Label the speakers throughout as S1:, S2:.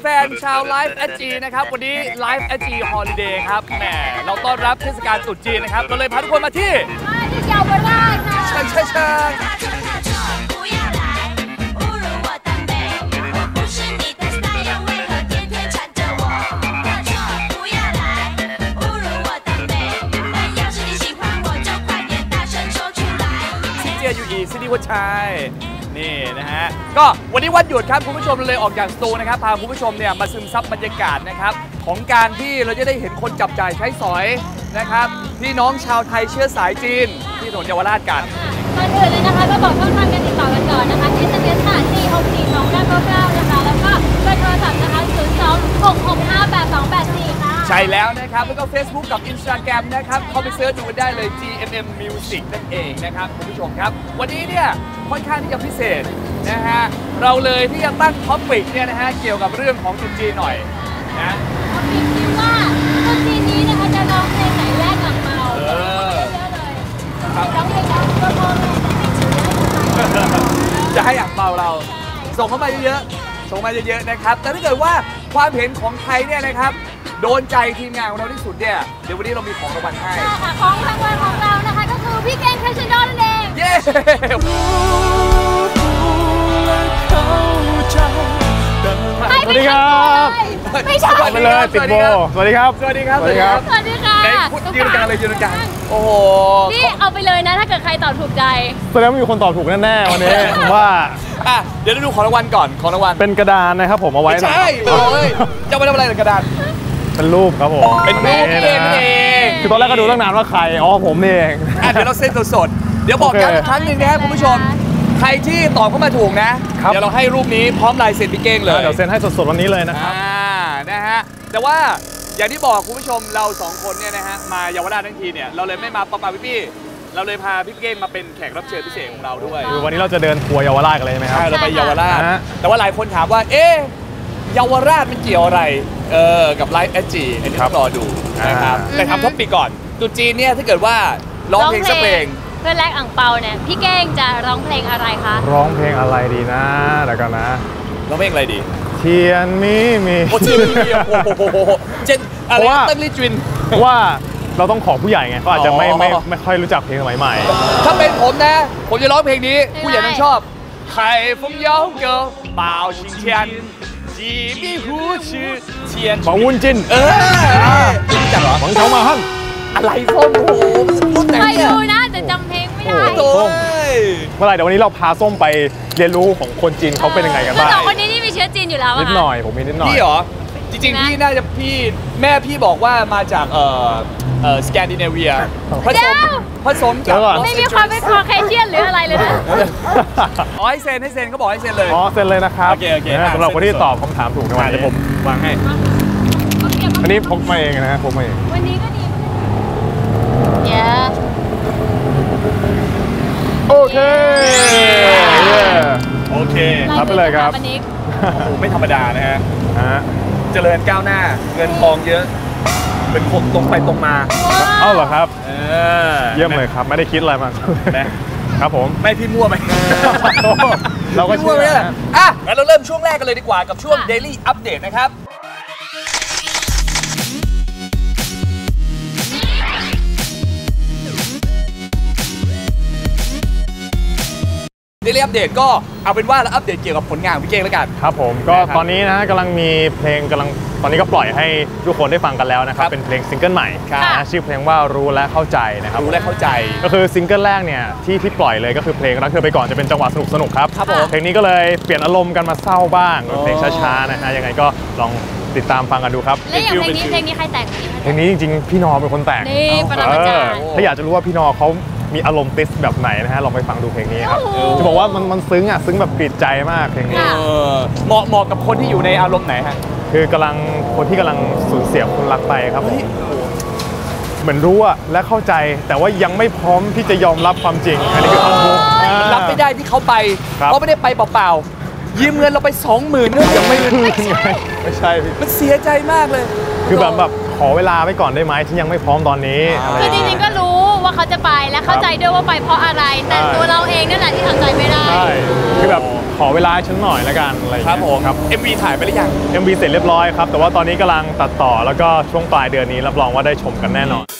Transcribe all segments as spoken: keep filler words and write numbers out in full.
S1: ฟนๆชาวไลฟ์แอจีนะครับวันนี้ไลฟ์แอจีฮอลิเดย์ครับแหมเราต้อนรับเทศกาลตรุษจีนนะครับเราเลยพาทุกคนมาที่
S2: ที่เยาวราชค่ะ
S1: ใช่ใช่ใช่อยู่อีซิตี้วัดชัยนี่นะฮะก็วันนี้วันหยุดครับคุณผู้ชมเลยออกจากสตูนะครับพาคุณผู้ชมเนี่ยมาซึมซับบรรยากาศนะครับของการที่เราจะได้เห็นคนจับจ่ายใช้สอยนะครับพี่น้องชาวไทยเชื้อสายจีนที่ถนนเยาวราชกัน
S2: ก่อนอื่นเลยนะคะก็บอกช่องทางการติดต่อกันก่อนนะคะ เอส เอ็ม เอส ค่ะ สี่ หก สี่ สอง เก้า เก้า เก้า นะคะแล้วก็เบอร์โทรศัพท์นะคะ ศูนย์ สอง หก หก ห้า แปด สอง แปด สี่ ค่ะ
S1: ใช่แล้วนะครับแล้วก็ Facebook กับ Instagram นะครับเข้าไปเสิร์ชดูกันได้เลย จี เอ็ม เอ็ม Music นั่นเองนะครับคุณผู้ชมครับวันนี้เนี่ยค่อนข้างที่จะพิเศษนะฮะเราเลยที่จะตั้งท็อปิกเนี่ยนะฮะเกี่ยวกับเรื่องของตรุษจีนหน่อยนะ
S2: ท็อปิกที่ว่าตรุษจีนนี้นะคะจะร้องเพลงไหนแรกหลังเมาเออเยอะเลยร้องเพลงแล้วก็ร้อง
S1: จะให้อ่างเปาเราส่งเข้ามาเยอะๆส่งมาเยอะๆนะครับแต่ถ้าเกิดว่าความเห็นของใครเนี่ยนะครับโดนใจทีมงานของเราที่สุดเนี่ยเดี๋ยววันนี้เรามีของรางวัลให้
S2: ค่ะของรางวัลของเรานะคะก็คือพี่เก่งคาชดอนนั่นเอง
S1: เย้
S2: สวัสดีครับไม่ใช่
S3: ไปเลยติดโบสวัสดีครับ
S1: สวัสดีครับ
S2: สวัสดีครับสวัสดีค่ะ
S1: ยืนกันเลยยืนกันโอ้โห
S2: นี่เอาไปเลยนะถ้าเกิดใครตอบถูกใจ
S3: แสดงว่ามีคนตอบถูกแน่ๆวันนี้ผมว่า
S1: อ่ะเดี๋ยวเราดูของรางวัลก่อนของรางวัล
S3: เป็นกระดานนะครับผมเอาไว้
S1: ใช่เลยจะมาทำอะไรกระดาน
S3: เป็นรูปครับผม
S1: เป็นรูปเองเอง
S3: คือตอนแรกก็ดูตั้งนานว่าใครอ๋อผมเอง
S1: อ่ะเดี๋ยวเราเซ็นสดๆเดี๋ยวบอกกันอีกครั้งหนึ่งนะครับคุณผู้ชมใครที่ตอบเข้ามาถูกนะเดี๋ยวเราให้รูปนี้พร้อมลายเซ็นพี่เก้งเลย
S3: เดี๋ยวเซ็นให้สดๆวันนี้เลยนะครับ
S1: อ่านะฮะแต่ว่าอย่างที่บอกคุณผู้ชมเราสองคนเนี่ยนะฮะมาเยาวราชทั้งทีเนี่ยเราเลยไม่มาปะปะพี่พี่เราเลยพาพี่เก้งมาเป็นแขกรับเชิญพิเศษของเราด้วย
S3: คือวันนี้เราจะเดินทัวร์เยาวราชกันเลยใช่ไหมครับ
S1: ใช่เราไปเยาวราชแต่ว่าหลายคนถามว่าเอ๊ะเยาวราชมันเกี่ยวอะไรเออกับไลฟ์แอจีอันนี้ต้องรอดูนะครับแต่ทำท็อปปีก่อนตุ๊จีนเนี่ยถ้าเกิดว่าร้องเพลงสักเพลง
S2: เพื่อแลกอ่างเปาเนี่ยพี่เก้งจะร้องเพลงอะไรคะ
S3: ร้องเพลงอะไรดีนะเดี๋ยวกันนะ
S1: ร้องเพลงอะไรดี
S3: เทียนมีมี
S1: โอ้เทียนมีโอ้โหเจนอะไรตั้งลิจิน
S3: เพราะว่าเราต้องขอผู้ใหญ่ไงก็อาจจะไม่ไม่ไม่ค่อยรู้จักเพลงสมัยใหม่
S1: ถ้าเป็นผมนะผมจะร้องเพลงนี้ผู้ใหญ่ต้องชอบไข่ฟงเย้าเก๋อเป่าชิงเทียนจีบีหูชื่อเทียน
S3: ของวุ้นจิน
S1: เออรู้จักเหรอ
S3: ของเขามาฮั่น
S1: อะไรส้มโอ้โหรุ่นไหน
S2: เนี่ยไม่รู้นะแต่จำเพลงไม่ได้
S1: โอ้
S3: ยเมื่อไหร่เดี๋ยววันนี้เราพาส้มไปเรียนรู้ของคนจีนเขาเป็นยังไงกันบ้าง
S2: สองคนนี้นี่มีเชื้อจีนอยู่แล้ว
S3: นิดหน่อยผมมีนิดหน่อย
S1: พี่เหรอจริงๆพี่น่าจะพี่แม่พี่บอกว่ามาจากเอ่อเอ่อสแกนดิเนเวียผสมผสมกับ
S2: ไม่มีความเป็นคอเคเชียนหรืออะไรเลยนะ
S1: อ๋อให้เซ็นให้เซ็นเขาบอกให้เซ็นเลย
S3: อ๋อเซ็นเลยนะครับ
S1: โอเคโอเค
S3: สำหรับคนที่ตอบคำถามถูกในวันนี้ผม
S1: วางให้
S3: อันนี้พกมาเองนะพกมาเอง
S2: วันนี้ก็ดีเย้
S3: โอเค
S1: โอเค
S3: รับไปเลยครับ
S1: โอ้โหไม่ธรรมดานะฮะเจริญก้าวหน้าเงินทองเยอะเป็นคนตรงไปตรงมา
S3: เอ้าเหรอครับเยี่ยมเลยครับไม่ได้คิดอะไรมาครับผม
S1: ไม่พี่มั่วไหม
S3: เราก็ช่วย
S1: อ่ะงั้นเราเริ่มช่วงแรกกันเลยดีกว่ากับช่วง Daily Update นะครับDaily Update ก็เอาเป็นว่าเราอัปเดตเกี่ยวกับผลงานของพี่เก้งแล้วกัน
S3: ครับผมก็ตอนนี้นะกำลังมีเพลงกำลังตอนนี้ก็ปล่อยให้ทุกคนได้ฟังกันแล้วนะครับเป็นเพลงซิงเกิลใหม่นะชื่อเพลงว่ารู้และเข้าใจนะครับ
S1: รู้และเข้าใจ
S3: ก็คือซิงเกิลแรกเนี่ยที่ที่ปล่อยเลยก็คือเพลงรักเธอไปก่อนจะเป็นจังหวะสนุกสนุกครับเพลงนี้ก็เลยเปลี่ยนอารมณ์กันมาเศร้าบ้างเพลงช้าๆนะฮะยังไงก็ลองติดตามฟังกันดูครับ
S2: แล้วอย่างเพลงนี้เพลงนี้ใครแต่ง
S3: เพลงนี้จริงๆพี่นอเป็นคนแต่ง
S2: นี่ปรมาจารย์
S3: ถ้าอยากจะรู้ว่าพี่นอเขามีอารมณ์ติสแบบไหนนะฮะลองไปฟังดูเพลงนี้ครับจะบอกว่ามันมันซึ้งอ่ะซึ้งแบบกรีดใจมากเพลงนี้
S1: เหมาะเหมาะกับคนที่อยู่ในอารมณ์ไหนฮะ
S3: คือกำลังคนที่กำลังสูญเสียคนรักไปครับเหมือนรู้อะและเข้าใจแต่ว่ายังไม่พร้อมที่จะยอมรับความจริงอันนี้คือความรู้
S1: รับไม่ได้ที่เขาไปเขาไม่ได้ไปเปล่าๆยืมเงินเราไปสองหมื่นเนี่ยยังไม่
S3: ไม่ใช่ไม่ใช่
S1: มันเสียใจมากเลย
S3: คือแบบแบบขอเวลาไว้ก่อนได้ไหมที่ยังไม่พร้อมตอนนี้
S2: คือจริงๆก็รู้ว่าเขาจะไปและเข้าใจด้วยว่าไปเพราะอะไรแต่ตัวเราเองนั่นแหละที่ทำใจไม่ได้
S3: ใช่คือแบบขออเวลาฉันหน่อยละกันอะไรอย่าง
S1: ครั
S3: เงี้
S1: บ
S3: ย
S1: ผม
S3: ครับ
S1: เอ็ม วี ถ่ายไปหรือยัง
S3: เอ็ม วี เสร็จเรียบร้อยครับแต่ว่าตอนนี้กำลังตัดต่อแล้วก็ช่วงปลายเดือนนี้รับรองว่าได้ชมกันแน่นอน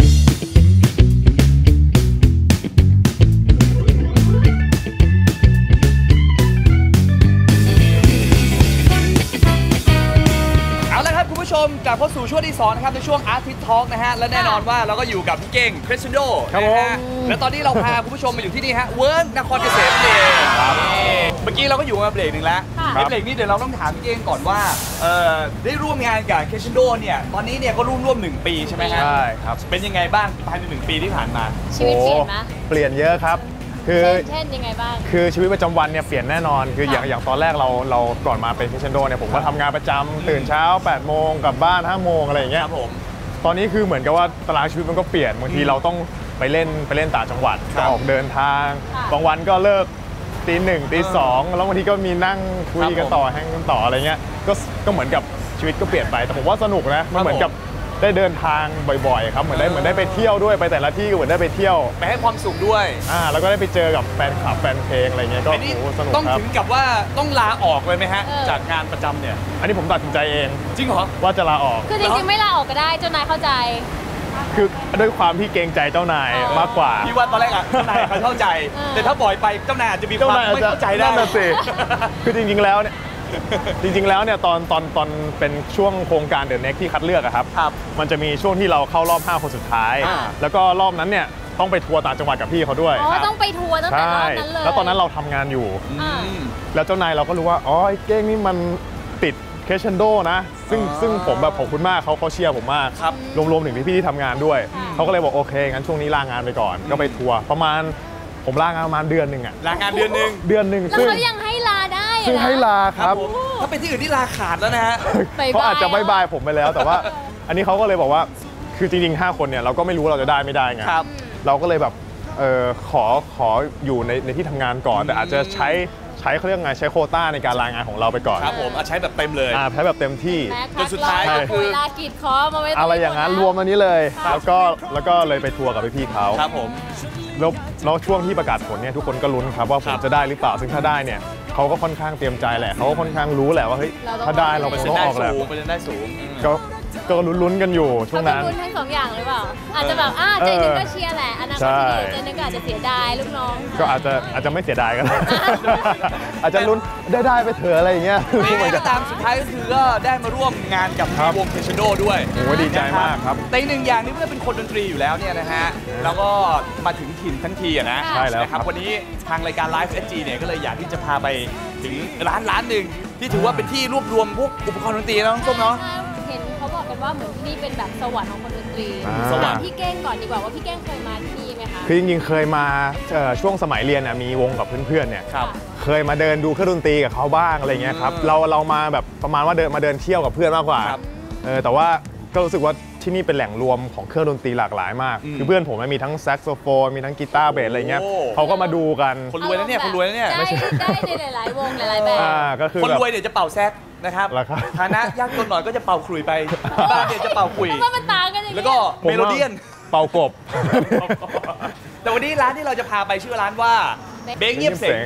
S1: คุณผู้ชมกลับเข้าสู่ช่วงที่สองนะครับในช่วง Artist Talk นะฮะและแน่นอนว่าเราก็อยู่กับพี่เก่ง Crescendo
S3: ครับ
S1: นะ
S3: ผม
S1: ฮะและตอนนี้เราพาคุณผู้ชมมาอยู่ที่นี่ฮะเวิร์กนครเกษมนั่นเองนี่เมื่อกี้เราก็อยู่มาเบรกหนึ่งแล้ว
S2: ค่ะ
S1: ในเบรกนี้เดี๋ยวเราต้องถามพี่เก่งก่อนว่าเอ่อได้ร่วมงานกับ Crescendo เนี่ยตอนนี้เนี่ยก็ร่วมร่วมหนึ่งปีใช่ไหมฮะ
S3: ใช่ครับ
S1: เป็นยังไงบ้างภายในหนึ่งปีที่ผ่านมา
S2: ชีวิตเปลี่ยนไหม
S3: โอ้เปลี่ยนเยอะครับคือ
S2: เช่นเช่นยังไงบ้าง
S3: คือชีวิตประจำวันเนี่ยเปลี่ยนแน่นอนคืออย่าง
S2: ค่ะ
S3: อย่างตอนแรกเราเราก่อนมาเป็น Crescendo เนี่ยผมก็ทำงานประจำตื่นเช้าแปดโมงกลับบ้านห้าโมงอะไรอย่างเงี้
S1: ค
S3: ย
S1: รับผม
S3: ตอนนี้คือเหมือนกับว่าตารางชีวิตมันก็เปลี่ยนบางทีเราต้องไปเล่นไปเล่นต่างจังหวัด
S1: ครั
S3: ก็
S1: บ
S3: ออกเดินทาง
S2: ค่ะ
S3: บางวันก็เลิกตีหนึ่งตีสองแล้วบางทีก็มีนั่งคุย
S1: ครั
S3: กับ น
S1: ผม
S3: ต่อแฮงกันต่ออะไรเงี้ยก็ก็เหมือนกับชีวิตก็เปลี่ยนไปแต่ผมว่าสนุกนะมันเหมือนกับได้เดินทางบ่อยๆครับเหมือนได้เหมือนได้ไปเที่ยวด้วยไปแต่ละที่ก็เหมือนได้ไปเที่ยว
S1: ไปให้ความสุขด้วย
S3: อ่าแล้วก็ได้ไปเจอกับแฟนคลับแฟนเพลงอะไรเงี้ยก็
S1: อันนี้
S3: โอ้โหสนุก
S1: ต้อง
S3: ครับ
S1: ถึงกับว่าต้องลาออกเลยไหมฮะ
S2: เออ
S1: จากงานประจำเนี่ย
S3: อันนี้ผมตัดสินใจเอง
S1: จริงเหรอ
S3: ว่าจะลาออก
S2: คือจริงๆไม่ลาออกก็ได้เจ้านายเข้าใจ
S3: คือด้วยความที่เกรงใจเจ้านาย
S2: อ๋อ
S3: มากกว่า
S1: พี่ว่าตอนแรกอะเจ้านายเขาเข้าใจ
S2: เออ
S1: แต่ถ้าปล่อยไปเจ้านายอาจจะมีค
S3: เจ้าว
S1: าม
S3: นายอาจ
S1: ไม่
S3: จะ
S1: เข้าใจได้
S3: นั่นน่ะสิ คือจริงๆแล้วเนี่ย จริงๆแล้วเนี่ยตอนตอนตอนเป็นช่วงโครงการเดอะเน็กที่คัดเลือกอะครับ
S1: ครับ
S3: มันจะมีช่วงที่เราเข้ารอบห้าคนสุดท้าย
S1: อ่า
S3: แล้วก็รอบนั้นเนี่ยต้องไปทัวร์ต่างจังหวัดกับพี่เขาด้วย
S2: อ๋อต้องไปทัวร์ตั้งแต่
S3: ใช่
S2: รอบนั้นเลย
S3: แล้วตอนนั้นเราทำงานอยู่
S2: อ่า
S1: อืม
S3: แล้วเจ้านายเราก็รู้ว่าอ๋อไอ้เก้งนี่มันติดเคชเชนโดนะ ซึ่ง
S1: อ๋อ
S3: ซึ่งผมแบบขอบคุณมากเขาเขาเชียร์ผมมาก
S1: ครับ
S3: รวมๆถึงพี่ๆที่ทำงานด้วย
S2: ค่ะ
S3: เขาก็เลยบอกโอเคงั้นช่วงนี้ลางานไปก่อน ก็ไปทัวร์ประมาณผมลางานประมาณเดือนหนึ่งอะ
S1: ลางานเดือนหนึ่ง
S3: เดือนหนึ่ง
S2: แล้ว
S3: ซึ่ง
S2: เขายังให้ลาได้อะ
S3: ซึ่ง
S2: นะ
S3: ให้ลาครับ
S1: ผมถ้าเป็นที่อื่นที่ลาขาดแล้วนะฮะ
S2: บ๊ายบาย
S3: เขาอาจจะบายบายผมไปแล้ว แต่ว่าอันนี้เขาก็เลยบอกว่าคือจริงๆห้าคนเนี่ยเราก็ไม่รู้ว่าเราจะได้ไม่ได้ไง
S1: ครับ
S3: เราก็เลยแบบเออขอขออยู่ในในที่ทำงานก่อน แต่อาจจะใช้ใช้เขาเรียกไงใช้โควต้าในการลางานของเราไปก่อน
S1: ครับผมเอาใช้แบบเต็มเลย
S3: อ่าใช้แบบเต็มที่
S2: แม็ก
S1: จนสุดท้ายก็คือ
S2: เวลากีดคอมาไว้ต
S3: อะไรอย่างนั้นรวมอันนี้เลย แล้วก็แล้วก็เลยไปทัวร์กับพี่ๆเขา
S1: ครับผม
S3: แล้วแล้วช่วงที่ประกาศผลเนี่ยทุกคนก็ลุ้นครับว่าผ
S1: ครั
S3: ม
S1: บ
S3: จะได้หรือเปล่าซึ่งถ้าได้เนี่ยเขาก็ค่อนข้างเตรียมใจแหละเขาก็ค่อนข้างรู้แหละว่าเฮ้ยถ้าได้เรา
S1: เป
S3: ค
S1: อร์
S3: ง
S1: เซ็น
S3: ต้อ
S1: ต์
S3: ง
S1: ได้
S3: ออกแหละ
S1: สูงเปอร์เซ็นต์ได้สูงอืม
S3: ก็ก็ลุ้นๆกันอยู่ช่วง
S2: เขา
S3: นั้น
S2: ลุ้นทั้งสองอย่างหรือเปล่า อาจจะแบบอ่าใจหนึงก็เชียร์แหละอนาคตที่ดีใจหนึงก็อาจจะเสียดายลูกน้อง
S3: ก็อาจจะอาจจะไม่เสียดายกัน อาจจะลุ้นได้ได้ไปเถอะอะไรอย่างเงี้ย
S1: ยังไงก็ตามสุดท้ายก็คือก็ได้มาร่วมงานกับ
S3: ครับ
S1: วงเทชโดด้วย
S3: โอ้ยดีใจมากครับ
S1: แต่อีกหนึ่งอย่างนี่เมื่อเป็นคนดนตรีอยู่แล้วเนี่ยนะฮะแล้วก็มาถึงถิ่นทั้งทีอะนะ
S2: ใช่
S3: แล้ว
S1: นะค
S3: ครั
S1: รับบ วันนี้ทางรายการ Live เอส จี เนี่ยก็เลยอยากที่จะพาไปถึงร้านร้านหนึ่งที่ถือว่าเป็นที่รวบรวมพวกอุปกรณ์ดนตรีนะน้องส้มเนาะ
S2: เห็นเขาบอกกันว่าเหมือนที่นี่เป็นแบบสวรรค์ของคนดนตรี
S3: อ่า
S1: สวรรค์
S2: ถามพี่เก้งก่อนดีกว่าว่าพี่เก้งเคยมาที่นี่ไหมคะ
S3: คือจริงๆเคยมาเอ่อช่วงสมัยเรียนน่ะมีวงกับเพื่อนๆเนี่ย
S1: ครับ
S3: เคยมาเดินดูเครื่องดนตรีกับเขาบ้างอะไรเงี้ยครับ
S1: อืม
S3: เราเรามาแบบประมาณว่าเดินมาเดินเที่ยวกับเพื่อนมากกว่า
S1: ครับ
S3: เออแต่ว่าก็รู้สึกว่าที่นี่เป็นแหล่งรวมของเครื่องดนตรีหลากหลายมาก
S1: อืม
S3: คือเพื่อนผมมันมีทั้งแซกโซโฟนมีทั้งกีตาร์เบสอะไรเงี้ย
S1: โอ้
S3: เขาก็มาดูกัน
S1: คนรวยนะเนี่ยคนรวยนะเนี่ย
S2: ได้ได้ในหลายๆวงหลายๆแบบ
S3: อ่าก็คือ
S1: คน
S3: แบบ
S1: รวยเนี่ยจะเป่าแซกนะครับ
S3: เหรอครับ
S1: ฐานะยากจนหน่อยก็จะเป่าขลุ่ยไปบ้านเนี่ยจะเป่าขลุ่ย
S2: เพราะว่ามันต่างกันอย่าง
S1: แล้ว
S2: นี้
S1: ก็
S3: ผม
S1: เมโล
S3: ว่า
S1: เดียน
S3: เป่ากบ
S1: แต่วันนี้ร้านที่เราจะพาไปชื่อร้านว่าเบงเงียบเสง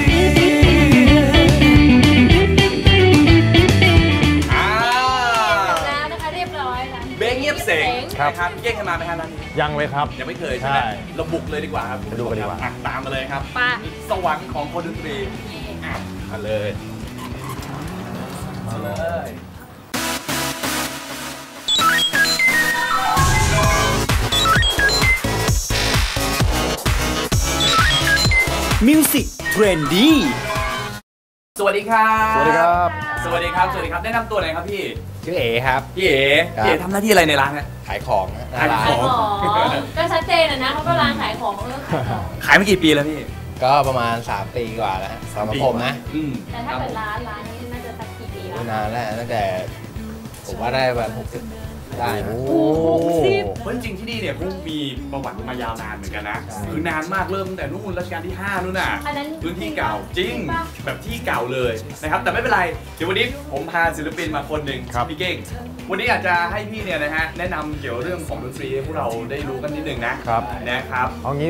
S1: อ่า
S2: แล้วนะคะเรียบร้อยค่ะ
S1: เบงเงียบเสง
S3: ครับ
S1: นะครับพี่เก้งเคยมาไหมครับร้านนี้
S3: ยังเลยครับ
S1: ยังไม่เคยใช่ไหม
S3: ใช่
S1: เราบุกเลยดีกว่าครับ
S3: ไปดูกันดีกว่า
S1: อ่ะตามมาเลยครับ
S2: ไป
S1: สวรรค์ของคนดนตรีอ่ะมาเลยมาเลย
S4: มิวสิกเทรนดี้
S1: สวัสดีครับ
S3: สวัสดีครับ
S1: สวัสดีครับ สวัสดีครับ แนะนำตัวหน่อยครับพี่
S4: ชื่อเอครับ
S1: พี่เอ๋
S4: ครับ
S1: พี่เอ๋ทำหน้าที่อะไรในร้านเนี่ย
S4: ขายของนะ
S1: ขายของ
S2: ขายของก็ชัดเจนอะนะเขาก็ร้านขายของเรื่องขายของ
S1: ขายมากี่ปีแล้วพี่
S4: ก็ประมาณ สาม ปีกว่าแล้วฮะสำหรับผมนะ
S1: อืม
S2: แต่ถ้าเป็นร้านร้านนี้น่าจะสักกี่ปีแล้ว
S4: นานแล้วตั้งแต่ผมว่าได้ประมาณหกสิบได้นะ
S3: โอ้
S2: หกสิบ
S1: เพราะจริงๆที่นี่เนี่ยเขามีประวัติมายาวนานเหมือนกันนะ คือนานมากเริ่มตั้งแต่นู่นรัชกาลที่ห้านู่นน่ะ
S2: อันนั้น
S1: พื้นที่เก่าจริง
S2: ปะ
S1: แบบที่เก่าเลยนะครับ แต่ไม่เป็นไร เดี๋ยววันนี้ผมพาศิลปินมาคนหนึ่ง
S3: ครับ
S1: พี่เก้ง วันนี้อยากจะให้พี่เนี่ยนะฮะแนะนำเกี่ยวเรื่องของดนตรีให้พวกเราได้รู้กันนิดนึงนะครับ นะครับ
S3: เอางี้ดีกว่า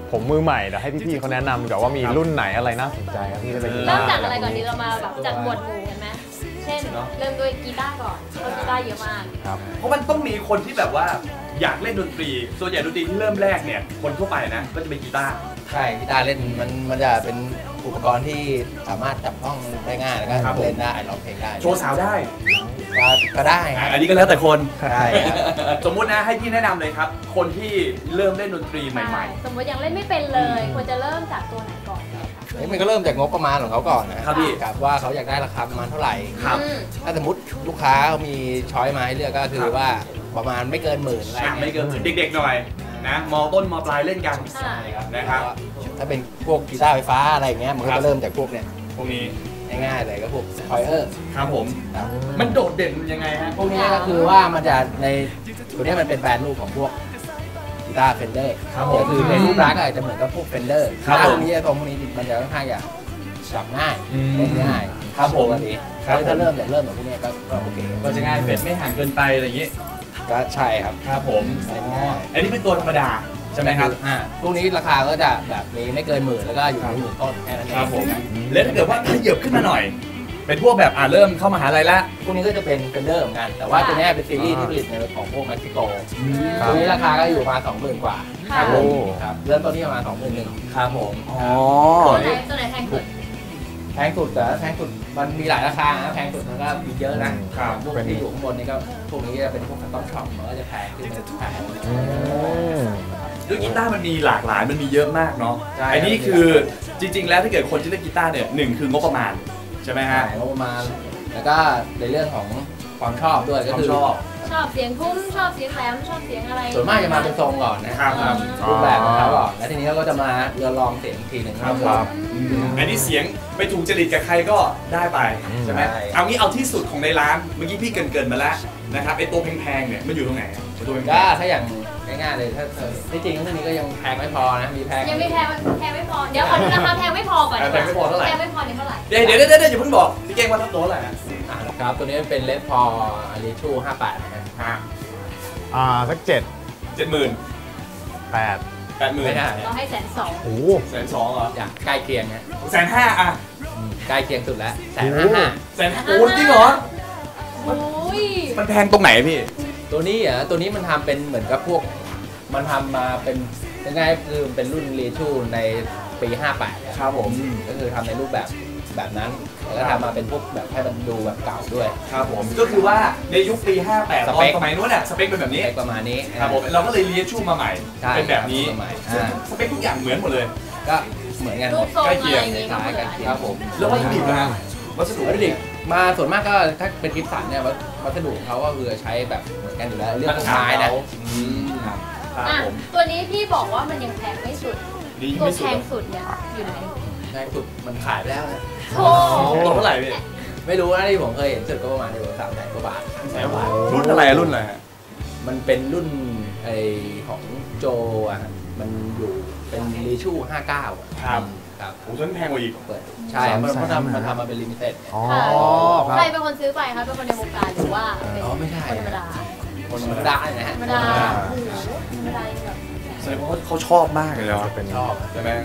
S3: ผมมือใหม่เดี๋ยวให้พี่ๆเขาแนะนำดีกว่าว่ามีรุ่นไหนอะไรน่าสนใจครับที่จะเป็นกีตา
S2: เริ่ม
S3: ร์
S2: จากอะไรก่อนดีเรามาแบบจัดหมวดหมู่กันไหมเช่นเริ่มด้วยกีตาร์ก่อนเพราะกีตาร์เยอะมาก
S3: ครับ
S1: เพราะมันต้องมีคนที่แบบว่าอยากเล่นดนตรี ส่วนใหญ่ดนตรีที่เริ่มแรกเนี่ยคนทั่วไปนะก็จะเป็นกีตาร์
S4: ใช่กีตาร์เล่นมันมันจะเป็นอุปกรณ์ที่สามารถจับต้องได้ง่ายแล้วก็
S1: ครับผม
S4: เล่นได้ร้องเพลงได้
S1: โชว์สาวได้
S4: ก็ก็ได้ครับ
S1: อันนี้ก็แล้วแต่คน
S4: ได้ครับ
S1: สมมุตินะให้พี่แนะนำเลยครับ คนที่เริ่มเล่นดนตรีใหม่
S2: สมมติยังเล่นไม่เป็นเลยควรจะเริ่มจากตัวไหนก่อนดีคะ
S4: เฮ้ยมันก็เริ่มจากงบประมาณของเขาก่อนนะครับ
S1: พี่
S4: กับว่าเขาอยากได้ราคาประมาณเท่าไหร่
S1: ครับ
S2: อืม
S4: ถ้าสมมติลูกค้าเขามีช้อยมาให้เลือกก็คื
S1: ครั
S4: อบ ว่าประมาณไม่เกินหมื่นอะไร
S1: ๆอ่ะ
S4: เงี้ย
S1: ไม่เกินเด็กๆหน่อยนะมต้นมปลายเล่นกัน
S2: ใช่
S1: นะครับ
S4: ถ้าเป็นพวกกีตาร์ไฟฟ้าอะไรเงี้ยมันก็
S1: ครับ
S4: จะเริ่มจากพวกเนี้ย
S1: พวกนี้
S4: ง่ายๆเลยก็พวกคอยเออร์
S1: ครับผม มันโดดเด่นยังไงฮะ
S4: พวกนี้ก็คือว่ามันจะในตัวนี้มันเป็นแบรนด์รูปของพวกกีตาร์เฟนเดอร์
S1: ครับผม
S4: ก็คือในรูปลักษณ์อาจจะเหมือนกับพวกเฟนเดอร์
S1: ครับผม
S4: พวกนี้ตรงพวกนี้มันจะค่อนข้างจะจับง่าย
S1: อืม
S4: เล่นง่าย
S1: ครับผม
S4: ปกติ
S1: ครับผม
S4: ถ้าเริ่มเนี่ยเริ่มจากพวกนี้ก็ก็โอเค
S1: ก็จะง่ายเฟดไม่ห่างเกินไปอะไรอย่างนี้
S4: ก็ใช่ครับ
S1: ครับผม
S4: เล่นง่าย
S1: อันนี้เป็นตัวธรรมดาใช่ไหมครับ
S4: อ่าพวกนี้ราคาก็จะแบบมีไม่เกินหมื่นแล้วก็อยู่ในหมื่นต้นแค่นั้นเอง
S1: ครับผม แล้วถ้าเกิดว่าขยับขึ้นมาหน่อย เป็นพวกแบบอ่าเริ่มเข้ามหาลัยแล้ว
S4: พวกนี้ก็จะเป็นเฟนเดอร์เหมือนกัน แต่ว่าตัวนี้เป็นซีรีส์ที่ผลิตในของพวกเม็กซิโกตัวนี้ราคาก็อยู่ประมาณสองหมื่นกว่า
S2: ค่ะ
S4: ผมครับเริ่มต้นที่ประมาณสองหมื่นหนึ่ง
S1: ครับผม อ๋อ
S2: ตัวไหนตัวไหนแพงสุด
S4: แพงสุดแต่แพงสุดมันมีหลายราคานะแพงสุดมันก็มีเยอะนะครับ พวกที่อยู่ข้างบนนี่ก็พวกนี้จะเป็นพวกคัสตอมช็อปมันก็จะแพงขึ้นไปแพง
S3: อืม
S1: ด้วยกีตาร์มันมีหลากหลาย มันมีเยอะมากเนาะ
S4: ใช่
S1: อันนี้คือจริง ๆ แล้วถ้าเกิดคนที่เล่นกีตาร์เนี่ยหนึ่งคืองบประมาณใช่ไหมฮะ
S4: งบประมาณแล้วก็ในเรื่องของความชอบด้วยก็คือ
S1: ความชอบ
S2: ชอบเสียงทุ้มชอบเสียงแหลมชอบเสียงอะไร
S4: ส่วนมากจะมาเป็นทรงก่อนนะครับ
S1: ครับ
S4: รูปแบบของเขาก่อนแล้วทีนี้เขาก็จะมาเรือลองเสียงอีกทีหนึ่ง
S1: ครับ
S4: ว่า
S1: อืมอันนี้เสียงไม่ถูกจริตกับใครก็ได้ไปใช่ไหม
S4: ใช่
S1: เอางี้เอาที่สุดของในร้าน เมื่อกี้พี่เกรินๆมาแล้วนะครับไอตัวแพงๆเนี่ยมันอยู่ตรงไหนอะตัวแพ
S4: ก็
S1: ง
S4: ถ้าอย่างง่ายๆเลยถ้าเธอที่จริงเรื่องนี้ก็ยังแพงไม่พอนะมีแพง
S2: ยังไม่แพงแพงไม่พอเดี๋ยวขอดูราคาแพงไม่พอก่อน
S1: ๆแพงไม่พอเท่าไหร่
S2: แพงไม่พอเนี่ยเท่าไหร่
S1: เดี๋ยวเดี๋ยวเดี๋ยวเดี๋ยวอย่าเพิ่งบอกพี่เก่งว่าตัวเท่าไหร่นะ
S4: อ่าครับตัวนี้เป็นเลสพออาริชูห้าแปดนะ
S1: ห้า
S3: อ่าสักเจ็ด
S1: เจ็ดหมื่น
S3: แปด
S1: แปดหมื่น
S4: ไม่ได้
S2: เราให้แสนสอง
S3: โอ้โห
S1: แสนสองเหรอ
S4: อยากใกล้เคียงนะ
S1: แสนห้าอะ
S4: อืมใกล้เคียงสุดแล้วแสนห้าห้า
S1: แสนห้าโอ้จริงเหรอ
S2: โอ้ย
S1: มันแพงตรงไหนพี่
S4: ตัวนี้อ่ะตัวนี้มันทำเป็นเหมือนกับพวกมันทำมาเป็นยังไงคือเป็นรุ่นรีชูในปีห้าแปด
S1: ครับผม
S4: ก็คือทำในรูปแบบแบบนั้นแล้วก็ทำมาเป็นพวกแบบให้มันดูแบบเก่าด้วย
S1: ครับผม ก็คือว่าในยุคปีห้าแปด
S4: ส
S1: ตอ
S4: เป
S1: น
S4: ค
S1: สมัยนู้นน่ะสเปคเป็นแบบนี้
S4: อะไรประมาณนี้
S1: ครับผมเราก็เลยเรียนชูมาใหม่
S4: ใช่
S1: เป็นแบบนี้
S4: สมัย
S1: ซึ่ง
S4: อ่า
S1: สเปคทุกอย่างเหมือนหมดเลย
S4: ก็เหมือนกันห
S2: รู
S4: ม
S2: ป
S4: ด
S2: ทรง
S1: ใกล้
S2: อะ
S1: เคี
S2: ไร
S1: ยง
S2: อย่างงี้ก็
S4: คล้าย
S2: เหมื
S4: กั
S2: อน น
S4: ครับผม
S1: แล้ววัตถุดิบนะฮะวัสดุ
S4: วัตถุดิบมาส่วนมากก็ถ้าเป็นกิฟสันเนี่ยวัสวัสดุของเขาก็คือใช้แบบเหมือนกันอยู่แล้วเรื่องของไม้นะ
S1: อืมครับ
S2: อ่ะ
S1: ผม
S2: ตัวนี้พี่บอกว่ามันยังแพงไม่สุด
S1: นี่
S2: ตัว
S1: ไม่
S2: แพ
S1: สุด
S2: งสุดเนี่ยอยู่ไหน
S4: แพงสุดมันขายไปแล้วนะ
S2: โอ้
S1: ตัวเท่าไหร่พี่
S4: ไม่รู้นะที่ผมเคยเห็นสุดก็ประมาณอยู่สามแสนกว่าบาท
S1: แสนกว่ารุ่นอะไรอะรุ่นอะไรฮะ
S4: มันเป็นรุ่นไอของโจอ่ะมันอยู่เป็นรีชูห้าเก้าอ่ะ
S1: ครับ
S4: ครับ
S1: โอ้ต้นแพงกว่าอีก
S4: เปิดใช่มันเขาทำมันทำมาเป็นลิมิเต็ด
S3: อ๋อ
S2: ค่ะ
S3: ครั
S2: ใคร
S3: บ
S2: เป็นคนซื้อไปคะเป็นคนในวงการหรือว่าเป็น
S4: อ๋อไม่ใช่
S2: คนธรรมดา
S4: คนธรรมดาเนี่ยนะ
S2: ธ
S4: ฮะ
S2: รรมดาโอ้โหธรรมดายังแบบ
S1: แสดงว่าเขาชอบมากเลยเนาะ
S3: จะเป็น
S4: ชอบ
S1: ใช่ไหม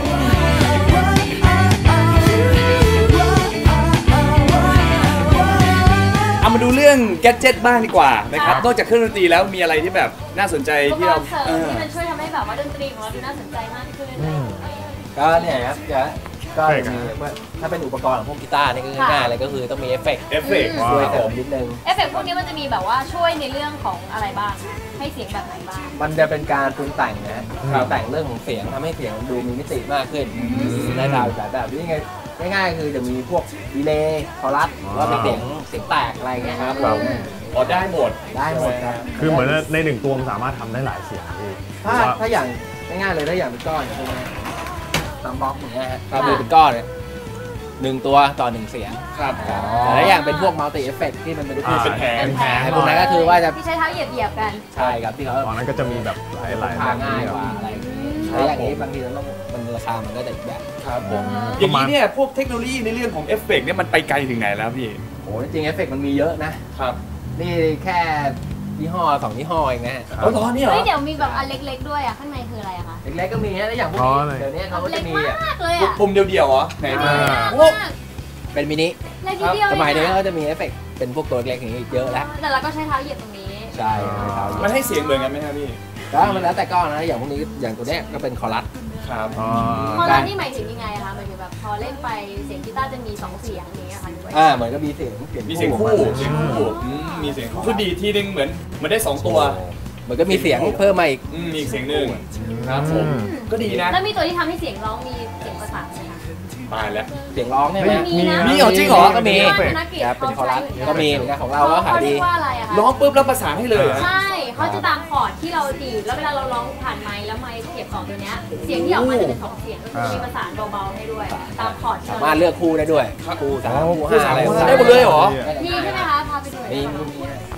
S1: เอามาดูเรื่องแกดเจ็ตบ้างดีกว่านะครับ นอกจากเครื่องดนตรีแล้วมีอะไรที่แบบน่าสนใจ
S2: อุป
S1: ที่
S2: ก
S1: เรา
S2: รณ์เสริม
S1: เออ
S2: ที่มันช่วยทำให้แบบว่าดนตรีของเราดูน่าสนใจมากขึ้นอะไรอย่างเงี้ย
S4: ก็เนี่ยครับจะก็
S3: เอฟเฟกต์
S4: มี
S3: อะ
S4: ว่าถ้าเป็นอุปกรณ์ของพวกกีตาร์นี่ก็
S2: ค่ะ
S4: ง่ายๆเลยก็คือต้องมีเอฟเฟกต์
S1: เอฟเฟกต์
S2: อืม
S1: ว้า
S4: ช่วยว เสริมนิดนึง
S2: เอฟเฟกต์พวกนี้มันจะมีแบบว่าช่วยในเรื่องของอะไรบ้าง ให้เสียงแบบไหนบ้าง
S4: มันจะเป็นการปรุงแต่งนะฮะปรุงแต่งเรื่องของเสียงทำให้เสียงดูมีมิติมากขึ้นได้ตามแบบแบบนี้ไงง่ายๆคือจะมีพวกดีเลย์คอรัสหรือว่าเป็นเสียงเสียงแตกอะไรเงี้ยครับ
S2: ครับ
S1: อ๋อได้หมด
S4: ได้หมดครับ
S3: คือเหมือนในหนึ่งตัวมันสามารถทำได้หลายเสียงพี่
S4: ถ้า
S3: ว่า
S4: ถ้าอย่างง่ายๆเลยถ้าอย่างเป็นก้อนอย่างพวกนี้ซัมบ็อกอย่างเงี้ยฮะถ้าดูเป็นก้อนเนี่ยหนึ่งตัวต่อหนึ่งเสียง
S1: ครับ
S4: แต่ถ้าอย่างเป็นพวกมัลติเอฟเฟกที่มันเป็นลูก
S3: อ่า
S4: เป็น
S1: แผง
S4: แผงพวกนั้นก็คือว่าจะ
S2: ที่ใช้เท้าเหยียบๆกัน
S4: ใช่ครับที่เขา
S3: ตอนนั้นก็จะมีแบบหลายหลาย
S4: พาง่ายกว่าอะไรอย่างงี้แต่อย่างนี้บางทีเราต้องมันราคามันก็จะอีกแบบ
S1: ครับผม
S2: อ่า
S1: อย่างนี้เนี่ยพวกเทคโนโลยีในเรื่องของเอฟเฟกต์เนี่ยมันไปไกลถึงไหนแล้วพี่
S4: โอ้จริงๆเอฟเฟกมันมีเยอะนะ
S1: ครับ
S4: นี่แค่ยี่ห้อสองยี่ห้อเองนะฮะ
S1: อ๋อเหรอเนี่ยเหร
S2: เฮ้
S1: อย
S2: เดี๋ยวมีแบบอันเล็กๆด้วยอ่ะข้างในคืออะไรอะคะ
S4: เล็กๆก็มีฮะแล้วอย่างพวก
S3: อ๋อ
S4: นี้
S3: เลย
S4: เดี๋ยวนี้เขาก็
S2: เล็
S4: จะ
S2: ก
S4: มี
S2: ม
S4: อ่ะ
S2: ากเลยอ่ะ
S1: ปุ่มเดียวๆเหรอไหน
S2: เล็
S1: มาก
S2: มาก
S4: เป็นมินิ
S2: เล็กนิดเดียว
S4: สมัยนี้
S2: เอง
S4: ก็
S2: อะ
S4: จะมีเอฟเฟกต์เป็นพวกตัวเล็กๆอย่างนี้เยอะแล้ว
S2: แต่เราก็ใช้เท้าเหยียบตรงนี้
S4: ใช่ครับ
S1: มันให้เสียงเหมือนกันไหมครับพี่
S4: แล้วมันแล้วแต่ก้อนนะอย่างพวกนี้อย่างตัวเนี้ยก็เป็นคอรัส
S1: ครับ
S3: อ๋อ
S2: พอเรานี่หมายถึงยังไงอะคะหมายถึงแบบพอเล่นไปเสียงกีตาร์จะมีสองเสียงอย่างเงี้ยค่ะหรือว่า
S4: อ่าเหมือนก็มีเสียงเสียง
S1: มีเสียงคู่
S4: ออกมา
S1: เสียงคู่อืมมีเสียงคู่คือดีดทีนึงเหมือนเหมันได้สองตัว
S4: เหมือนก็มีเสียงเพิ่มมาอีก
S1: อืมมีอีกเสียงหนึ่งครับผมก็ดีนะ
S2: แล้วมีตัวที่ทำให้เสียงร้องมีเสียงประสานไหมคะ
S1: ตายแล้ว
S4: เสียงร้องใช่ไหม
S2: มีนะ
S1: มีเหรอจริงเหรอ
S4: ก็มี
S2: ธนกิจ
S4: ครับเป็นคอรัส
S2: เขาใช้
S4: ก็มีเหมือนกันของเราก็ขาย
S2: เขา
S4: ดี
S2: เรียกว่าอะไรอะคะ
S1: ร้องปุ๊บแล้วประสานให้เลยเหรอ
S2: ใช่เขาจะตามคอร์ดที่เราดีดแล้วเวลาเราร้องผ่านไมค์แล้วไมค์เก็บสองตัวเนี้ยเสียงที่ออกมาจะเป็นสองเสียงก็คือมีประสานเบาๆให้ด้วย ตามคอร์ดที่
S4: สา
S2: เรา
S4: มารถเลือกคู่ได้ด้วยคู่สามคู่ห้าอะไร
S1: คู่ได้หมดเลยเหรอ
S2: มีใช่ไหมคะพาไปดูหน่อย
S4: มี
S2: ได้ไหม
S4: มี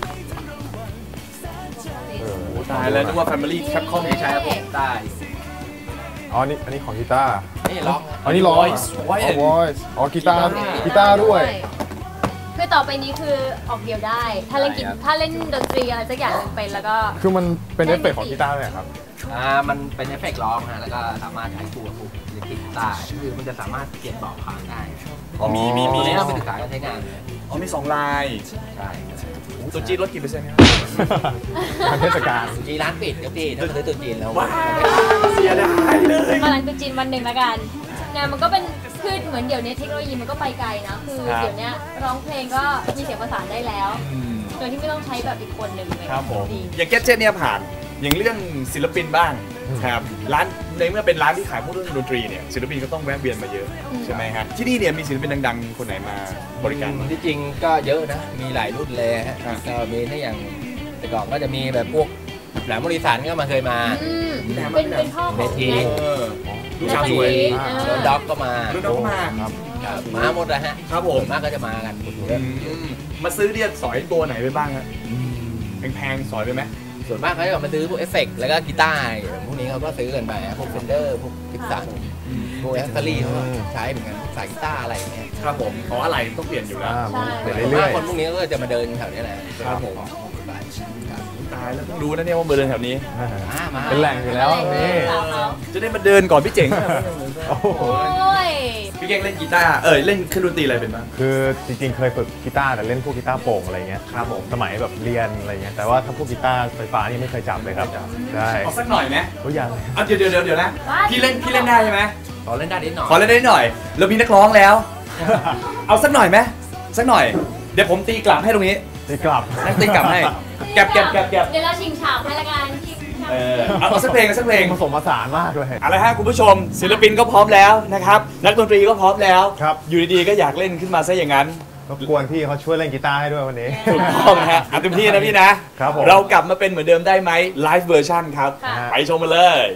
S1: ตายแล้วนึกว่า Family Capcom
S4: ไม่ใช่ครับผมได้
S3: อ๋อนี่อันนี้ของกีตาร์
S4: นี่ร้อง
S3: อันนี้ร้อง
S1: Voice
S3: อ๋อ
S1: Voice
S3: voice อ๋อกีตาร์กีตาร์ด้วย
S2: คือต่อไปนี้คือออกเดียวได้ ถ้าเล่นกีถ้าเล่นดนตรีอะไรสักอย่างหนึ่งเป็นแล้วก็
S3: คือมันเป็นเอฟเฟกต์ของกีตาร์เลยเหรอครับ
S4: อ่ามันเป็นเอฟเฟกต์ร้องฮะแล้วก็สามารถใช้คู่กับคู่อิเล็กทริกได้คือมันจะสามารถเปลี่ยนเบาะพางได้
S1: อ๋อมีมีมี
S4: ตัวนี้เราไปศึกษาการใช้งานเลย
S1: อ๋อมีสองลาย
S4: ใช่
S1: ตัวจีนลดกี่เปอร์เซ็นต์ครับ
S3: ทางเทศกาล
S4: จีนร้านปิดเดี๋ยวพี่ถ้าซื้อตัวจีนแล้ว
S1: ว้าเสียดายเลย
S2: มาหลังตุจีนวันหนึ่งละกันเนี่ยมันก็เป็นคือเหมือนเดี๋ยวนี้เทคโนโลยีมันก็ไปไกลนะคือเดี๋ยวนี้ร้องเพลงก็มีเสียงประสานได้แล้ว
S1: อืม
S2: โดยที่ไม่ต้องใช้แบบอีกคนหนึ่งเลย
S1: ครับผม
S2: ดี
S1: อย่างแกดเจ็ตเนี่ยผ่าน อย่างเรื่องศิลปินบ้างครับร้านในเมื่อเป็นร้านที่ขายพวกเรื่องดนตรีเนี่ยศิลปินก็ต้องแวะเวียนมาเยอะใช่ไหมฮะที่นี่เนี่ยมีศิลปินดังๆ คนไหนมาบริการบ้าง
S4: ที่จริงก็เยอะนะมีหลายรุ่นเลยฮะ
S1: อ่ะ
S4: ก็มีถ้าอย่างแต่ก่อนก็จะมีแบบพวกแหลมบริษัทก็มาเคยมา
S2: อืมเป็นเป็นพ่อของ
S4: เวที
S2: แน็ก
S1: เออลูกสาวสวย
S2: เออ
S4: โดนด็อกก็มา
S1: รุ่นน้องก็มา
S3: ครับ
S4: ครับมาหมดเลยฮะ
S1: ครับผม
S4: ส่วนมากก็จะมากันหมดเลย
S1: อืมมาซื้อเนี่ยสอยตัวไหนไปบ้างฮะแพงๆสอยไปไหม
S4: ส่วนมากเขาจะมาซื้อพวกเอฟเฟกต์แล้วก็กีตาร์พวกนี้เขาก็ซื้อกันไปพวกเฟนเดอร์พวกกิฟสันพวกแอสเซอรี่เขาก็ใช้เหมือนกันสายกีตาร์อะไรอย่างเงี้ย
S1: ครับผมเพราะอะไรต้องเปลี่ยนอยู่แล้ว
S3: อ่ามันเปลี่ยน
S4: ส่วน
S3: เรื่
S4: มา
S3: อก ย
S4: คนพวกนี้ก็จะมาเดินแถวนี้แหละ
S1: ครับผม
S4: ไปครับ
S1: ตายแล้วเพิ่งรู้นะเนี่ยว่าเบอร์เดินแถวนี้
S3: ๆอ่า
S4: อ่ามา
S3: เป็นแหล่งอยู่แล้วนี่
S1: จะได้มาเดินก่อนพี่เจ๋ง
S3: โอ้โห
S2: โอ้ย
S1: พี่เก่งเล่นกีตาร์เออเล่นเครื่องดนตรีอะไรเป็นบ้าง
S3: คือจริงๆ เคยฝึกกีตาร์แต่เล่นพวกกีตาร์โปร่งอะไรเงี้ย
S1: ครับผม
S3: สมัยแบบเรียนอะไรเงี้ยแต่ว่าถ้าพวกกีตาร์ไฟฟ้านี่ไม่เคยจับเลยครับใช่
S1: เอาสักหน่อยไหม
S3: ทุกอย่างเลย
S1: เอาเดี๋ยวเดี๋ยวเดี๋ยวเดี๋ยวนะพี่เล่นพี่เล่นได้ใช่ไหม
S4: ขอเล่นได้นิดหน่อย
S1: ขอเล่นได้หน่อยเรามีนักร้องแล้ว เอาสักหน่อยไหมสักหน่อย เดี๋ยวผมตีกลับให้ตรงนี้
S3: ตีกลับ
S1: นั่งตีกลับให้แก็บแก็บแก็บแก็บ
S2: เดี๋ยวเราชิงฉาบให้ละกันชิงฉาบ
S1: เออเอาเอาสักเพลงเอาสักเพลง
S3: ผสมผสานมากเลย
S1: เอาละฮะคุณผู้ชม ศิลปินก็พร้อมแล้วนะครับนักดนตรีก็พร้อมแล้ว
S3: ครับ
S1: อยู่ดีๆก็อยากเล่นขึ้นมาซะอย่างนั้น
S3: รบกวนพี่เขาช่วยเล่นกีตาร์ให้ด้วยวันนี้
S1: ถูกต้องนะฮะเอาเต็มที่นะพี่นะครับ
S3: ผม
S1: เรากลับมาเป็นเหมือนเดิมได้ไหมไลฟ์เวอร์ชันครับ
S2: ค่ะ
S1: ไปชมมาเลย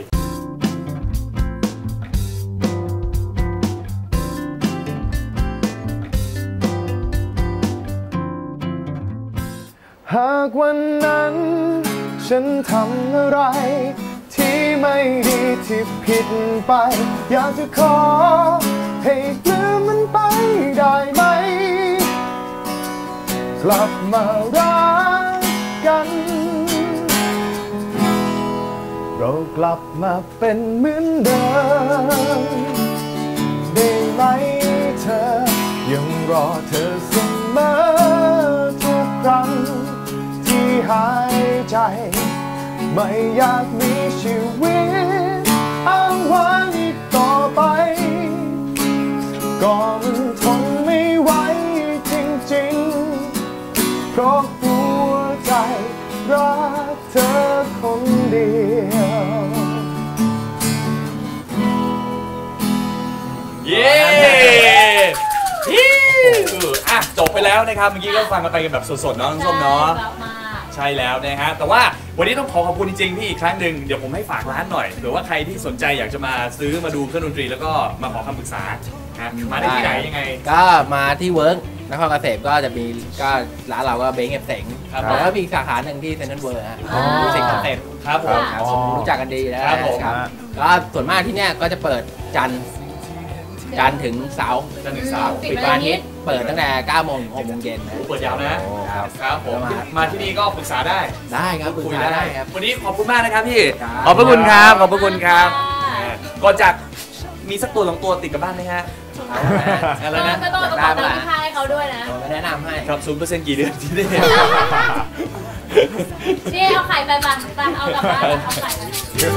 S3: หากวันนั้นฉันทำอะไร ที่ไม่ดีที่ผิดไป อยากจะขอให้ลืมมันไปได้ไหม กลับมารักกัน เรากลับมาเป็นเหมือนเดิมได้ไหมเธอ ยังรอเธอเสมอทุกครั้งที่หายใจ ไม่อยากมีชีวิตอ้างว้างอีกต่อไป ก็มันทนไม่ไหวจริงๆ เพราะหัวใจรักเธอคนเดียว
S1: เย้ฮิวอ่ะจบไปแล้วนะครับเมื่อกี้ก็ฟังกันไปกันแบบสดๆเนาะน้องส้มเนาะ
S2: กลับมา
S1: ใช่แล้วนะฮะแต่ว่าวันนี้ต้องขอขอบคุณจริงๆพี่อีกครั้งหนึ่งเดี๋ยวผมให้ฝากร้านหน่อยเผื่อว่าใครที่สนใจอยากจะมาซื้อมาดูเครื่องดนตรีแล้วก็มาขอคำปรึกษานะมาได้ที่ไหนยังไง
S4: ก็มาที่เวิร์กนครเกษมก็จะมีก็ร้านเราก็เบงเอฟเสง
S1: ครับ
S4: แล้วก็มีอีกสาขาหนึ่งที่เซ็นทรัลเวิร์ฮะ
S3: อ๋อ
S4: ดูสิคอนเซ็ปต์
S1: ครับผม
S4: ครับผมรู้จักกันดีนะครับ
S1: ผม
S4: ก็ส่วนมากที่เนี่ยก็จะเปิดจันทร์จันทร์ถึงเสาร์
S1: จันทร์ถึงเสาร์
S2: ปิด
S4: ปิด
S2: วั
S4: วัน น
S2: อา
S4: อา
S2: ทิ
S4: ทิ
S2: ต
S4: ต
S2: ย์
S4: ย์เปิดตั้งแต่เก้าโมงถึงหกโมงเย็นนะ
S1: เปิดยาวนะ
S4: ครับ
S1: ครับผมมาที่นี่ก็ปรึกษาได้
S4: ได้ครับปรึก
S1: คุย
S4: ษา
S1: ได้
S4: ได้ครับ
S1: วันนี้ขอบคุณมากนะครับพี่
S4: ครับ
S1: ขอบพระคุณครับขอบพระคุณครับก่อนจากมีสักตัวสองตัวติดกับบ้านไหมฮะอะไรนะ
S2: ก็ต้องเอากระเป๋าตังค์ที่พาให้เขาด้วยนะ
S4: ผมก็แนะนำให้
S1: ครับศูนย์เปอร์เซ็นต์กี่เดือนที่ได้
S2: นี่เอาไข่ไปปะไปเอากลับบ้านเอาไข่ไป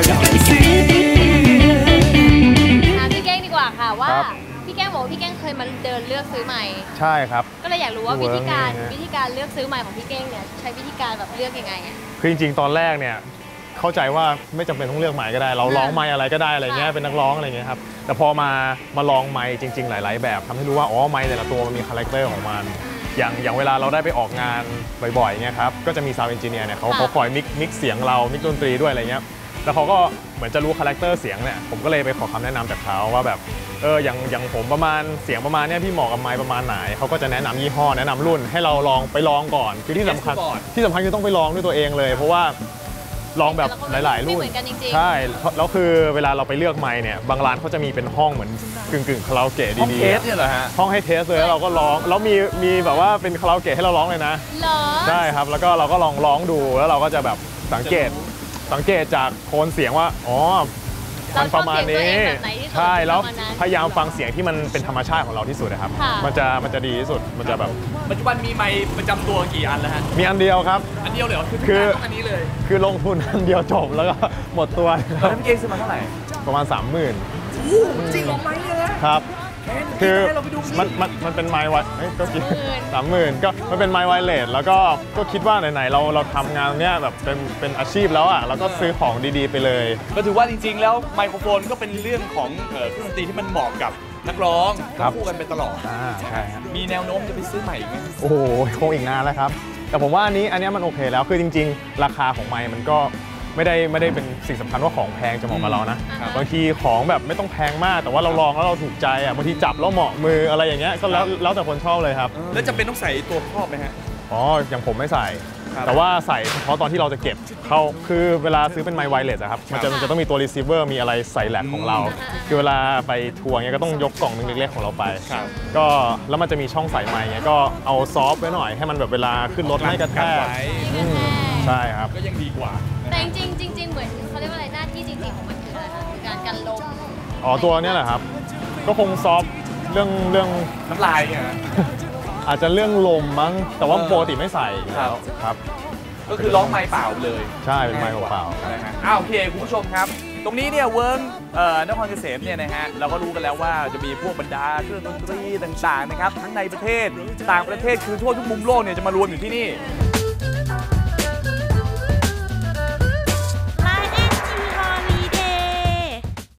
S2: ถามพี่แก้งดีกว่าค่ะว่า
S3: ครับ
S2: พี่แก้งบอกว่าพี่แก้งเคยมาเดินเลือกซื้อใหม่
S3: ใช่ครับ
S2: ก็เลยอยากรู้ว่า
S3: เวิ
S2: วิ
S3: ร์ก
S2: ธีการ
S3: นี่ฮะ
S2: วิธีการเลือกซื้อใหม่ของพี่แก้งเนี่ยใช้วิธีการแบบเลือกยังไงอ่ะ
S3: คือจริงๆ ตอนแรกเนี่ยเข้าใจว่าไม่จำเป็นต้องเลือกไมค์ก็ได้ เราร้องไมค์อะไรก็ได้อะไรเงี้ย
S2: ค่ะ
S3: เป็นนักร้องอะไรเงี้ยครับแต่พอมามาลองไมค์จริง ๆ หลาย ๆ แบบทำให้รู้ว่าอ๋อไมค์แต่ละตัวมันมีคาแรคเตอร์ของมัน อย่างอย่างเวลาเราได้ไปออกงานบ่อยๆเงี้ยครับก็จะมีซาวด์เอนจิเนียร์เนี่ยเขาเขาคอยมิกมิกเสียงเรามิกดนตรีด้วยอะไรเงี้ยแล้วเขาก็เหมือนจะรู้คาแรคเตอร์เสียงเนี่ยผมก็เลยไปขอคำแนะนำจากเขาว่าแบบเอออย่างอย่างผมประมาณเสียงประมาณเนี้ยพี่เหมาะกับไมค์ประมาณไหนเขาก็จะแนะนำยี่ห้อแนะนำรุ่นให้เราลองไปลองก่อนคือที่สำคัญ
S1: Test ก่อน
S3: ที่สำคัญคือต้องไปลองด้วยตัวเองเลย เพราะว่าลองแบบหลาย ๆ รุ่น
S2: ไม่เหมือนกันจริงๆ
S3: ใช่แล้วคือเวลาเราไปเลือกไมค์เนี่ยบางร้านเขาจะมีเป็นห้องเหมือนกึ่งกึ่งๆคาราโอเกะ
S1: ห้อง
S3: ดี
S1: เทสเนี่ยเหรอฮะ
S3: ๆห้องให้เทสเลยแล้วเราก็ร้องแล้วมีมีแบบว่าเป็นคาราโอเกะให้เราร้องเลยนะ
S2: เหรอ
S3: ใช่ครับแล้วก็เราก็ลองร้องดูแล้วเราก็จะแบบสังเกตสังเกตจากโทนเสียงว่าอ๋อมันประมาณนี้ใช่แล้วพยายามฟังเสียงที่มันเป็นธรรมชาติของเราที่สุดนะครับมันจะมันจะดีที่สุดมันจะแบบ
S1: ปัจจุบันมีไมค์ประจำตัวกี่อันแล้วฮะ
S3: มีอันเดียวครับ
S1: อันเดียวเลยเหรอคือ
S3: คือ
S1: ต้องอันนี้เลย
S3: คือลงทุนอันเดียวจบแล้วก็หมดตัว
S1: ตอนนั้นพี่เก่งซื้อมาเท่าไหร่
S3: ประมาณ สามหมื่น
S1: จริงเหรอไมค์เลยนะครับ
S3: คือ
S1: ให้เราไปดูสิ
S3: มันมันมันเป็นไมค์ไวเอ้ยก็กี่สามหมื่นก็มันเป็นไมค์ไวเลสแล้วก็ก็คิดว่าไหนๆเราเราทำงานเนี้ยแบบเป็นเป็นอาชีพแล้วอ่ะเราก็ซื้อของดีๆไปเลย
S1: ก็ถือว่าจริงๆ แล้วไมโครโฟนก็เป็นเรื่องของเอ่อเครื่องดนตรีที่มันเหมาะกับนักร้อง
S3: ครับ
S1: คู่กันไปตลอด
S3: อ่าใช่ครับ
S1: มีแนวโน้มจะไปซื้อใหม่อีกไหม
S3: โอ้โหคงอีกนานแล้วครับ แต่ผมว่าอันนี้อันเนี้ยมันโอเคแล้วคือจริง ๆ ราคาของไมค์มันก็ไม่ได้ไม่ได้เป็นสิ่งสำคัญว่าของแพงจะเหมาะกับเรานะบางทีของแบบไม่ต้องแพงมาก แต่ว่าเราลองแล้วเราถูกใจอ่ะบางทีจับแล้วเหมาะมืออะไรอย่างเงี้ยก็แล้วแล้วแต่คนชอบเลยครับ
S1: แล้วจะเป็นต้องใส่ตัวครอบไหมฮะ
S3: อ๋ออย่างผมไม่ใส่
S1: ครับ
S3: แต่ว่าใส่เฉพาะตอนที่เราจะเก็บเข้าคือเวลาซื้อเป็นไมค์ไวเลสอะครับมันจะมันจะต้องมีตัวรีเซิร์ฟเวอร์มีอะไรใส่แหลกของเรา คือเวลาไปทัวร์เงี้ยก็ต้องยกกล่องนึงเล็กๆของเราไป
S1: ครับ
S3: ก็แล้วมันจะมีช่องใส่ไมค์เงี้ยก็เอาซอฟต์ไว้หน่อยให้มันแบบเวลาขึ้นรถไม่กระแทก
S1: ไว้
S3: อืมใช่ครับ
S1: ก็ยังดีกว่า
S2: แต่จริงๆจริงๆเหมือนเขาเรียกว่าอะไรหน้าที่จริงๆของมันคืออะไรคะคือการกันลม
S3: อ๋อตัวเนี้ยแหละครับ ก็คงซอฟต์เรื่องเรื่อง
S1: น้ำลายเนี่ยฮะ
S3: อาจจะเรื่องลมมั้งแต่ว่า
S1: เออ
S3: ปกติไม่ใส่อยู่แล้ว
S1: ครับ
S3: ครับ
S1: ก็คือร้องไมค์เปล่าเลย
S3: ใช่เป็นไมค์เปล่า
S1: นะฮะอ้าวโอเคคุณผู้ชมครับ ตรงนี้เนี่ยเวิร์กเอ่อนครเกษมเนี่ยนะฮะเราก็รู้กันแล้วว่าจะมีพวกบรรดาเครื่องดนตรีต่างๆนะครับทั้งในประเทศต่างประเทศคือทั่วทุกมุมโลกเนี่ยจะมารวมอยู่ที่นี่